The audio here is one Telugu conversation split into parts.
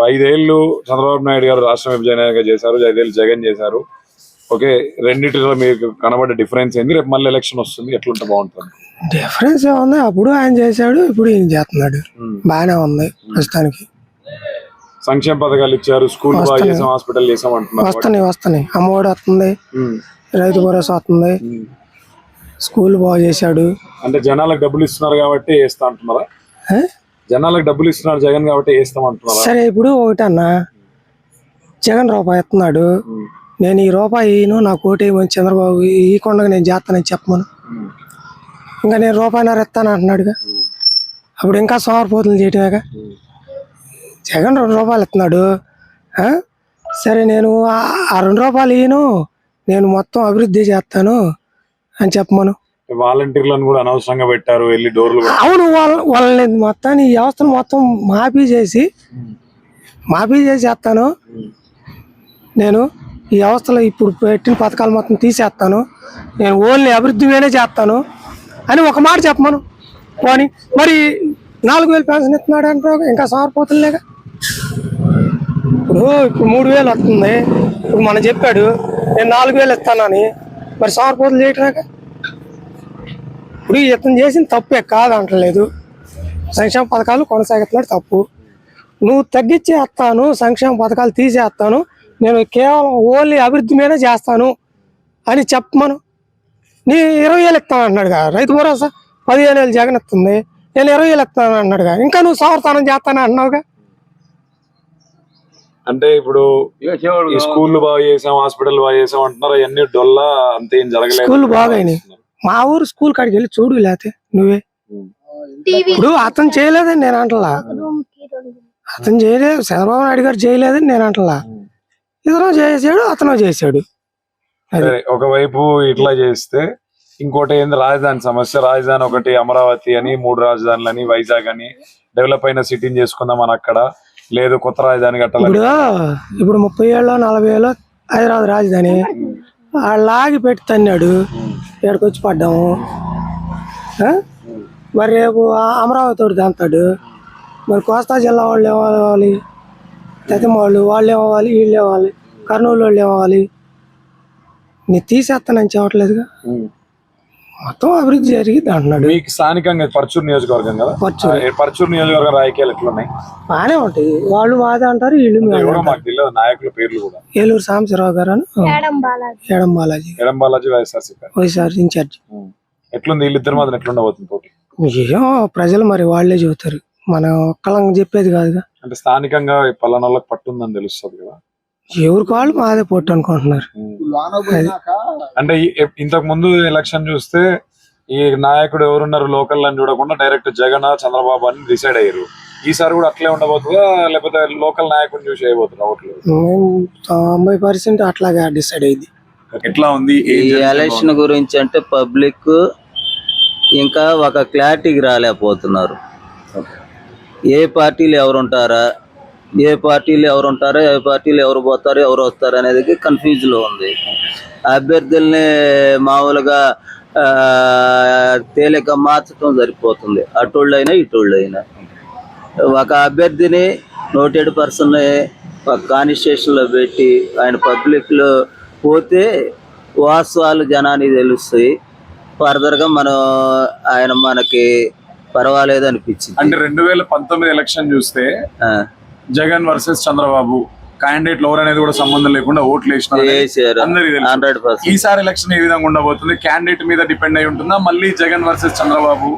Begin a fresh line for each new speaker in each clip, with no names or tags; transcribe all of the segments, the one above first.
5 ఏళ్ళు చంద్రబాబు నాయుడు గారు రాష్ట్ర విభజనగా చేశారు, 5 ఏళ్ళు జగన్ చేశారు. ఓకే, రెండింటిలో మీకు కనబడే డిఫరెన్స్ ఏంది? రేపు మళ్ళీ ఎలక్షన్ వస్తుంది, ఎట్లుంటే బాగుంటుంది?
డిఫరెన్స్ ఏముంది, అప్పుడు ఆయన చేశాడు, ఇప్పుడు ఈయన చేస్తున్నాడు. బాగానే ఉంది ప్రస్తుతానికి.
సంక్షేమ పథకాలు ఇచ్చారు, స్కూల్ బాగా చేసాం, హాస్పిటల్ చేసాం అంటున్నారు.
వస్తున్నాయి. అమ్మఒడి వస్తుంది, రైతు భరోసా వస్తుంది, స్కూల్ బాగా చేశాడు.
అంటే జనాలకు డబ్బులు ఇస్తున్నారు కాబట్టి వేస్తా అంటున్నారా? జనాలకు డబ్బులు ఇస్తున్నారు జగన్ కాబట్టి వేస్తాం అంటున్నారా?
సరే, ఇప్పుడు ఒకటన్నా, జగన్ రూపాయి ఇస్తున్నాడు, నేను ఈ రూపాయి నాకు ఓటేయమని చంద్రబాబు ఈ కొండగా నేను చేస్తానని చెప్పమను. ఇంకా నేను రూపాయిన్నర ఇస్తాను అంటున్నాడుగా, అప్పుడు ఇంకా సోమరిపోతులు చేయటమేగా. జగన్ 2 రూపాయలు ఇస్తున్నాడు, సరే నేను ఆ 2 రూపాయలు నేను మొత్తం అభివృద్ధి చేస్తాను అని చెప్పమను.
వాలంటీర్లను కూడా అనవసరంగా పెట్టారు, వెళ్ళి డోర్లు.
అవును, వాళ్ళని మొత్తాన్ని ఈ వ్యవస్థను మొత్తం మాఫీ చేసి చేస్తాను. నేను ఈ వ్యవస్థలో ఇప్పుడు పెట్టిన పథకాలు మొత్తం తీసేస్తాను, నేను ఓన్లీ అభివృద్ధి మీదే చేస్తాను అని ఒక మాట చెప్పమను. పోనీ మరి 4000 పెన్షన్ ఇస్తున్నాడు అంటారు, ఇంకా సారిపోతుందిలేగా. ఇప్పుడు 3000 వస్తుంది, ఇప్పుడు మనం చెప్పాడు నేను 4000 ఇస్తానని, మరి సారిపోతులు చేయటమేగా. ఇప్పుడు ఇతను చేసిన తప్పే కాదంటలేదు, సంక్షేమ పథకాలు కొనసాగుతున్నాడు తప్పు. నువ్వు తగ్గించేస్తాను, సంక్షేమ పథకాలు తీసేస్తాను, నేను కేవలం ఓన్లీ అభివృద్ధి మీదే చేస్తాను అని చెప్పమను. నీ 20,000 ఇస్తాను అన్నాడుగా, రైతు భరోసా 15,000 జగన్ ఇస్తుంది, నేను 20,000 ఇస్తాను అన్నాడుగా, ఇంకా నువ్వు సంవత్సరం చేస్తాను అన్నావుగా.
అంటే ఇప్పుడు స్కూల్ బాగా చేసాం, హాస్పిటల్ బాగా చేసాం అంటున్నారు, అవన్నీ డొల్లా, అంతే ఏం జరగలేదు.
స్కూల్ బాగాయినాయి, మా ఊరు స్కూల్ కాడికి వెళ్ళి చూడు, లేకపోతే నువ్వే. ఇప్పుడు అతను చేయలేదని నేను అంటలా, అతను చేయలేదు, చంద్రబాబు నాయుడు గారు చేయలేదని నేను అంటలా, ఇతను చేసాడు, అతను చేశాడు.
ఒకవైపు ఇట్లా చేస్తే ఇంకోటి ఏంది, రాజధాని సమస్య. రాజధాని ఒకటి అమరావతి అని, 3 రాజధానులని, వైజాగ్ అని డెవలప్ అయిన సిటీని చేసుకుందాం అని అక్కడ లేదు, కొత్త రాజధాని కట్టాలి.
ఇప్పుడు 30 ఏళ్ళు 40 ఏళ్ళు హైదరాబాద్ రాజధాని లాగి పెట్టి తన్నాడు, ఇక్కడికి వచ్చి పడ్డాము. మరి రేపు అమరావతి తోటి తంతాడు, మరి కోస్తా జిల్లా వాళ్ళు ఏమవ్వాలి, తెతమ వాళ్ళు ఏమవ్వాలి, వీళ్ళు ఏమవ్వాలి, కర్నూలు వాళ్ళు ఏమవ్వాలి. నీ తీసేస్తానని చెప్పట్లేదుగా, మొత్తం అభివృద్ధి జరిగింది అంటున్నాడు.
మీకు స్థానికంగా పర్చూరు నియోజకవర్గం కదా, పర్చూరు నియోజకవర్గం రాజకీయాలు ఎట్లున్నాయి?
బాగానే ఉంటాయి, వాళ్ళు వాదే అంటారు, వీళ్ళు
మాకు తెలియదు నాయకుల పేర్లు కూడా.
ఏలూరు సాంబశివరావు గారు అని, ఎడం బాలాజీ వైఎస్ఆర్ ఇన్ఛార్జ్.
ఎట్లుంది వీళ్ళిద్దరి మాత్రం ఎట్లుండబోతుంది పోటీ?
ఏమో ప్రజలు మరి వాళ్ళే చెబుతారు, మనం ఒక్కలం చెప్పేది కాదుగా.
అంటే స్థానికంగా పలానా వాళ్ళకి పట్టుందని తెలుస్తుంది కదా,
ఎవరికి వాళ్ళు మాదే పొట్టు అనుకుంటున్నారు.
అంటే ఇంతకు ముందు ఎలక్షన్ చూస్తే ఈ నాయకుడు ఎవరున్నారు లోకల్ అని చూడకుండా డైరెక్ట్ జగన్ చంద్రబాబు అని డిసైడ్ అయ్యారు. ఈసారి కూడా అట్లే ఉండబోతుందా, లేకపోతే లోకల్ నాయకుడిని చూసి అయిపోతుందా ఓట్లు?
90% అట్లాగే డిసైడ్ అయింది.
ఎట్లా ఉంది
ఈ ఎలక్షన్ గురించి అంటే పబ్లిక్ ఇంకా ఒక క్లారిటీకి రాలేకపోతున్నారు. ఏ పార్టీలు ఎవరుంటారా, ఏ పార్టీలు ఎవరు పోతారో ఎవరు వస్తారు అనేది కన్ఫ్యూజ్ లో ఉంది. అభ్యర్థుల్ని మామూలుగా తేలిక మార్చడం సరిపోతుంది, అటోళ్ళైనా ఇటోళ్ళైనా. ఒక అభ్యర్థిని నోటెడ్ పర్సన్ ఒక కాన్స్టిట్యూషన్ లో పెట్టి ఆయన పబ్లిక్ లో పోతే వాస్తవాలు జనానికి తెలుస్తాయి. ఫర్దర్ గా ఆయన మనకి పర్వాలేదు అనిపించింది.
అంటే 2019 ఎలక్షన్ చూస్తే జగన్ వర్సెస్ చంద్రబాబు క్యాండిడేట్ ఎవరు అనేది కూడా సంబంధం లేకుండా ఓట్లు వేసినారు. ఈసారి ఎలక్షన్ ఏ విధంగా ఉండబోతుంది? క్యాండిడేట్ మీద డిపెండ్ అయి ఉంటుందా, మళ్ళీ జగన్ వర్సెస్ చంద్రబాబు?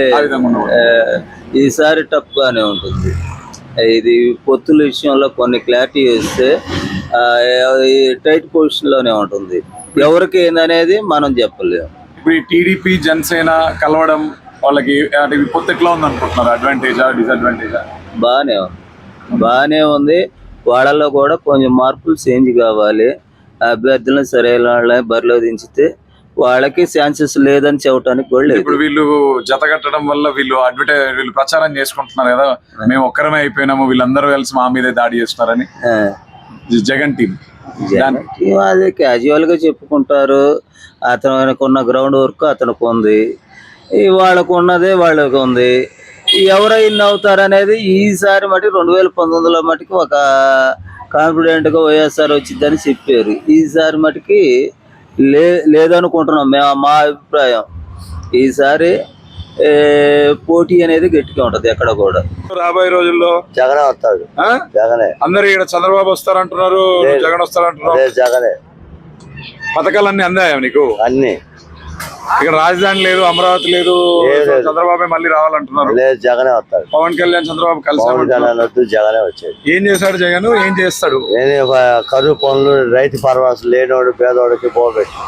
ఈసారి టఫ్ గానే ఉంటుంది. ఇది పొత్తుల విషయంలో కొన్ని క్లారిటీ ఇస్తే టైట్ పొజిషన్ లోనే ఉంటుంది, ఎవరికి ఏందనేది మనం చెప్పలేము.
ఇప్పుడు టీడీపీ జనసేన కలవడం వాళ్ళకి పొత్తు ఎట్లా ఉంది అనుకుంటున్నారు? అడ్వాంటేజా డిసడ్వాంటేజా?
బాగానే ఉంది. వాళ్ళలో కూడా కొంచెం మార్పులు చేంజ్ కావాలి. అభ్యర్థులను సరైన వాళ్ళని బరిలో దించితే వాళ్ళకి ఛాన్సెస్ లేదని చెప్పడానికి కూడా లేదు.
ఇప్పుడు వీళ్ళు జత కట్టడం వల్ల వీళ్ళు ప్రచారం చేసుకుంటున్నారు కదా, మేము ఒక్కరమే అయిపోయినాము, వీళ్ళందరూ కలిసి మా మీదే దాడి చేస్తున్నారని. జగన్ టీం
అదే క్యాజువల్ గా చెప్పుకుంటారు. అతనికి ఉన్న గ్రౌండ్ వర్క్ అతనికి ఉంది, వాళ్ళకు ఉన్నదే వాళ్ళకి ఉంది. ఎవరో ఇన్ని అవుతారు అనేది ఈసారి మటుకు 2019లో మటుకు ఒక కాన్ఫిడెంట్ గా వైఎస్ఆర్ వచ్చిందని చెప్పారు. ఈసారి మటుకి లేదనుకుంటున్నాం మేము, మా అభిప్రాయం. ఈసారి పోటీ అనేది గట్టిగా ఉంటది ఎక్కడ కూడా.
రాబోయే రోజుల్లో
జగనే వస్తాడు. జగనే.
అందరు ఇక్కడ చంద్రబాబు వస్తారంటున్నారు, జగన్ వస్తారంటున్నారు.
జగనే.
పథకాలన్నీ అందాయా నీకు?
అన్ని.
ఇక్కడ రాజధాని లేదు, అమరావతి లేదు, చంద్రబాబు మళ్ళీ రావాలంటున్నారు.
లేదు, జగనే వస్తాడు.
పవన్ కళ్యాణ్ చంద్రబాబు కలిసి
జగనే వచ్చాడు.
ఏం చేశాడు జగన్? ఏం చేస్తాడు?
కరువు పనులు, రైతు పరవాసు లేనోడు పేదోడికి పోబెట్టి.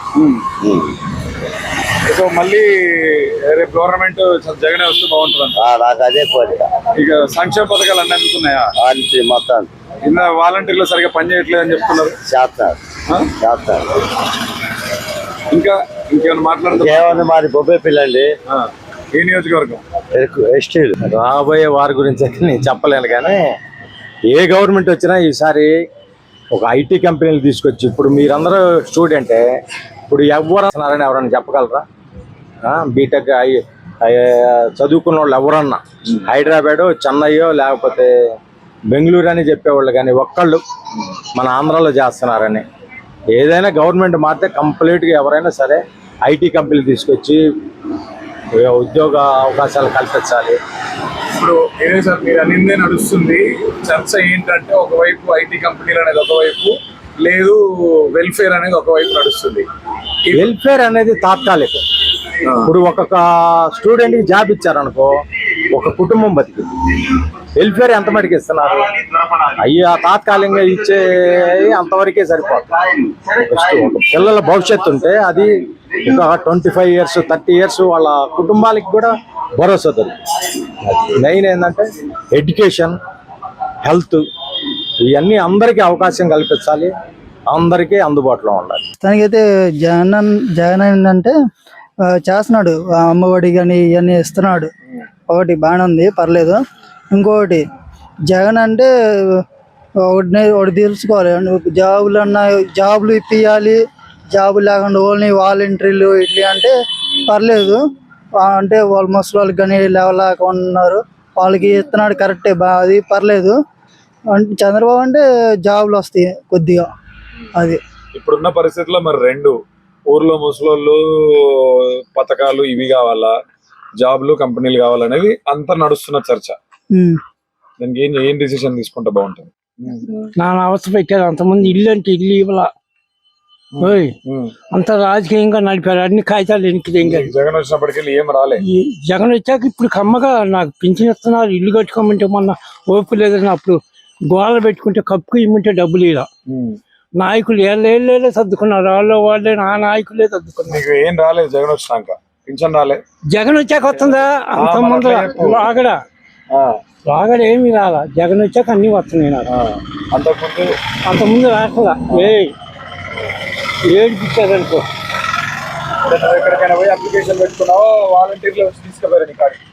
సో మళ్ళీ రేపు గవర్నమెంట్ జగనే వస్తే బాగుంటుంది.
నాకు అదే కోరిక.
ఇక సంక్షేమ పథకాలు అన్ని అందుతున్నాయా?
అంతే మొత్తం.
కింద వాలంటీర్లు సరిగా పని చేయట్లేదు అని చెప్తున్నారు.
చేస్తారు.
ఇంకా ఇంకేమైనా
మాట్లాడుతున్నా? మాది బొబ్బే పిల్లండి.
ఏ నియోజకవర్గం?
ఎస్టీలు.
రాబోయే వారి గురించి అయితే నేను చెప్పలేను, కానీ ఏ గవర్నమెంట్ వచ్చినా ఈసారి ఒక ఐటీ కంపెనీలు తీసుకొచ్చి, ఇప్పుడు మీరందరూ స్టూడెంటే, ఇప్పుడు ఎవరన్నారని ఎవరన్నా చెప్పగలరా? బీటెక్ చదువుకున్న వాళ్ళు ఎవరన్నా హైదరాబాద్, చెన్నైయో లేకపోతే బెంగళూరు అని చెప్పేవాళ్ళు, కానీ ఒక్కళ్ళు మన ఆంధ్రాలో చేస్తున్నారని. ఏదైనా గవర్నమెంట్ మారితే కంప్లీట్గా ఎవరైనా సరే ఐటీ కంపెనీలు తీసుకొచ్చి ఉద్యోగ అవకాశాలు కల్పించాలి.
ఇప్పుడు ఏదే సార్ మీరు అనిందే నడుస్తుంది. చర్చ ఏంటంటే ఒకవైపు ఐటీ కంపెనీలు అనేది ఒకవైపు, లేదు వెల్ఫేర్ అనేది ఒకవైపు నడుస్తుంది.
వెల్ఫేర్ అనేది తాత్కాలికం. ఇప్పుడు ఒక్కొక్క స్టూడెంట్కి జాబ్ ఇచ్చారనుకో, ఒక కుటుంబం బతికింది. వెల్ఫేర్ ఎంత మటుకు ఇస్తున్నారు? అయ్యా తాత్కాలికంగా ఇచ్చే అంతవరకే సరిపోతుంది. పిల్లల భవిష్యత్తు ఉంటే అది ఇంకా 25 years 30 years వాళ్ళ కుటుంబాలకి కూడా భరోసా దొరుకుతుంది. మెయిన్ ఏంటంటే ఎడ్యుకేషన్, హెల్త్, ఇవన్నీ అందరికీ అవకాశం కల్పించాలి, అందరికీ అందుబాటులో ఉండాలి.
తనకైతే జగన్ ఏంటంటే చేస్తున్నాడు, అమ్మఒడి కానీ ఇవన్నీ ఇస్తున్నాడు. ఒకటి బాగానే ఉంది, పర్లేదు. ఇంకొకటి జగన్ అంటే ఒకటి తెలుసుకోవాలి, జాబులు ఇప్పియాలి. జాబులు లేకుండా ఓన్లీ వాలంటీర్లు ఇట్లా అంటే పర్లేదు. అంటే వాళ్ళు ముసలి వాళ్ళకి కానీ లేవలేకుండా ఉన్నారు, వాళ్ళకి ఇస్తున్నాడు, కరెక్టే, అది పర్లేదు. అంటే చంద్రబాబు అంటే జాబులు వస్తాయి కొద్దిగా. అది
ఇప్పుడున్న పరిస్థితుల్లో మరి రెండు ఊర్లో ముసలోళ్ళు పథకాలు ఇవి కావాలా, జాబ్లు కంపెనీలు కావాలనేది అంతా నడుస్తున్న చర్చ. దానికి ఏం డిసిషన్ తీసుకుంటే బాగుంటుంది?
నా అవస్థ పెట్టారు. అంతమంది ఇల్లు అంటే ఇల్లు ఇవ్వాల, అంత రాజకీయంగా నడిపారు. అన్ని కాగితాలు ఎనికి
జగన్ వచ్చినప్పటికెళ్ళి ఏం రాలే.
జగన్ వచ్చాక ఇప్పుడు కమ్మగా నాకు పింఛన్ ఇస్తున్నారు. ఇల్లు కట్టుకోమంటే మొన్న ఓపు లేదని అప్పుడు గోడలు పెట్టుకుంటే కప్పుకు ఇమ్మంటే డబ్బులు ఇలా నాయకులు ఏళ్ళే సర్దుకున్నారు. వాళ్ళే నా నాయకులే సర్దుకున్నారు.
ఏం రాలేదు జగన్ వచ్చినాక? పింఛన్ రాలే.
జగన్ వచ్చాక వస్తుందా? అంత ముందు రాగడ ఏమి రాలా. జగన్ వచ్చాక అన్ని వస్తున్నాయి నాకు. అంతకుముందు రాట్లా. ఏడిపించారనుకో.
ఎక్కడికైనా పోయి అప్లికేషన్ పెట్టుకున్నావో వాలంటీర్లు వచ్చి తీసుకుపోయారు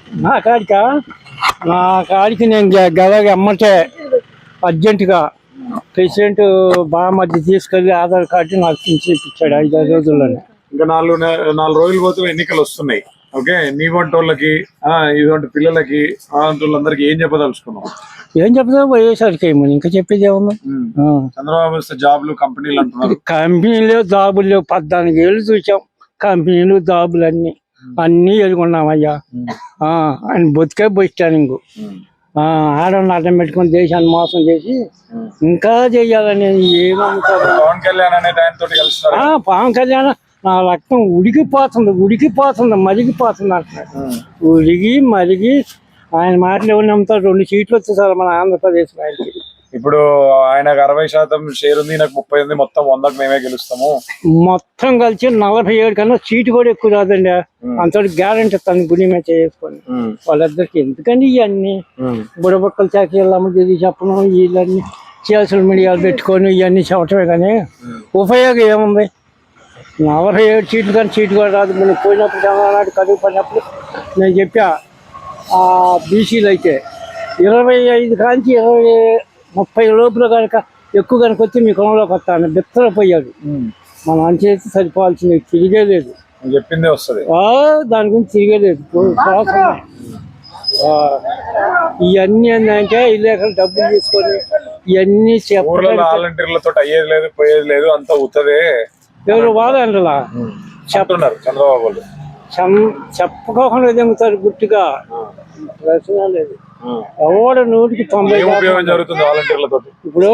నా కాడికి నేను గదగా అమ్మటే అర్జెంటుగా ప్రెసిడెంట్ బామర్ది తీసుకెళ్లి ఆధార్ కార్డు నాకు ఇప్పించాడు 5 రోజుల్లోనే.
ఇంకా 4 రోజులు పోతే ఎన్నికలు వస్తున్నాయి. ఓకే, నీ వంటి వాళ్ళకి, ఇటువంటి పిల్లలకి, వాళ్ళందరికి ఏం చెప్పదలుచుకున్నావు?
ఏం చెప్తా, వైఎస్ఆర్కి ఏమని ఇంకా చెప్పేది ఏమన్నా.
చంద్రబాబు వస్తే జాబ్లు కంపెనీలు అంటున్నారు.
కంపెనీలు జాబులు లేవు. 14 ఏళ్ళు చూసాం కంపెనీలు జాబులు అన్ని ఎదుర్కొన్నామయ్యా. ఆయన బతికే బస్టాండింగ్ ఆడవాళ్ళని అడ్డం పెట్టుకుని దేశాన్ని మోసం చేసి ఇంకా చెయ్యాలని ఏమనుకోరు.
పవన్ కళ్యాణ్ అనే ఆయనతో కలుస్తారు.
పవన్ కళ్యాణ్ నా రక్తం ఉడికిపోతుంది మరిగిపోతుంది అంటున్నాడు. ఉడిగి మరిగి ఆయన మాటలు ఎవరు నమ్ముతారు? 2 సీట్లు వచ్చేసారు మన ఆంధ్రప్రదేశ్ ఆయనకి.
ఇప్పుడు ఆయనకు 60% షేర్ ఉంది, నాకు 30 ఉంది. మొత్తం 100కి మేమే గెలుస్తాము.
మొత్తం కలిసి 47 కన్నా సీటు కూడా ఎక్కువ రాదండి. అంత గ్యారంటీ తన గుడి మీద చేసుకొని వాళ్ళిద్దరికి ఎందుకండి ఇవన్నీ బుడబొక్కలు చాకీళ్ళమ్మ చెప్పడం, వీళ్ళన్నీ సోషల్ మీడియాలు పెట్టుకొని ఇవన్నీ చెప్పటమే కానీ ఉపయోగం ఏముంది? 47 సీట్లు కానీ సీటు కూడా రాదు. మనం పోయినప్పుడు చంద్రనాడు కడుగు పడినప్పుడు నేను చెప్పా, బీసీలు అయితే 25 కాంచి 30 లోపల కనుక ఎక్కువ కనుక వచ్చి మీ కులంలోకి వస్తాను బిత్తరపోయాడు. మనం అంచేసి సరిపోవాల్సింది తిరిగే లేదు.
చెప్పిందే వస్తుంది,
దాని గురించి తిరిగే లేదు.
ఇవన్నీ ఏంటంటే ఇల్లు ఎక్కడ డబ్బులు తీసుకొని ఇవన్నీ
ఊర్లలో వాలంటీర్లతో అయ్యేది లేదు పోయేది లేదు అంతా ఉత్తదే
ఎవరు వాదండలా
చెప్తున్నారు చంద్రబాబు వాళ్ళు.
చెప్పుకోకుండా ఎదుగుతారు గుర్తుగా ప్రశ్న లేదు. ఎవడు 100%
ఏం ఉపయోగం జరుగుతుంది వాలంటీర్లతో?
ఇప్పుడు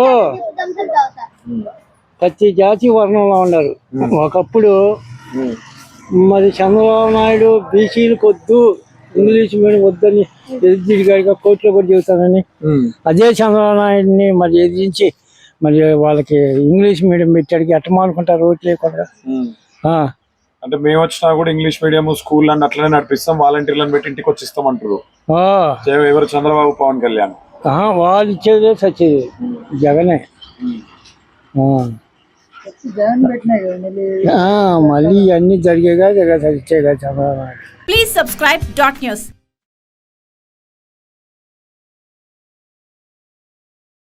ప్రతి జాతి వర్ణంలో ఉన్నారు. ఒకప్పుడు మరి చంద్రబాబు నాయుడు బీసీలకు వద్దు, ఇంగ్లీష్ మీడియం వద్దని ఎదిరిగాడిగా కోర్టులో కూడా చెబుతానని, అదే చంద్రబాబు నాయుడిని మరి ఎదిరించి మరి వాళ్ళకి ఇంగ్లీష్ మీడియం పెట్టాడికి ఎట్ట మానుకుంటారు ఓట్లు లేకుండా.
అంటే మేము వచ్చినా కూడా ఇంగ్లీష్ మీడియం స్కూల్ అని అట్లనే నడిపిస్తాం, వాలంటీర్లను పెట్టి ఇంటికి వచ్చి ఇస్తాం అంటారు ఎవరు? చంద్రబాబు, పవన్ కళ్యాణ్.
వాళ్ళు ఇచ్చేదే సచ్చేది జగనే.
జగన్ పెట్టినాయి కదా
మళ్ళీ అన్ని జరిగేగా Chandrababu Naidu.
Please subscribe Dot News.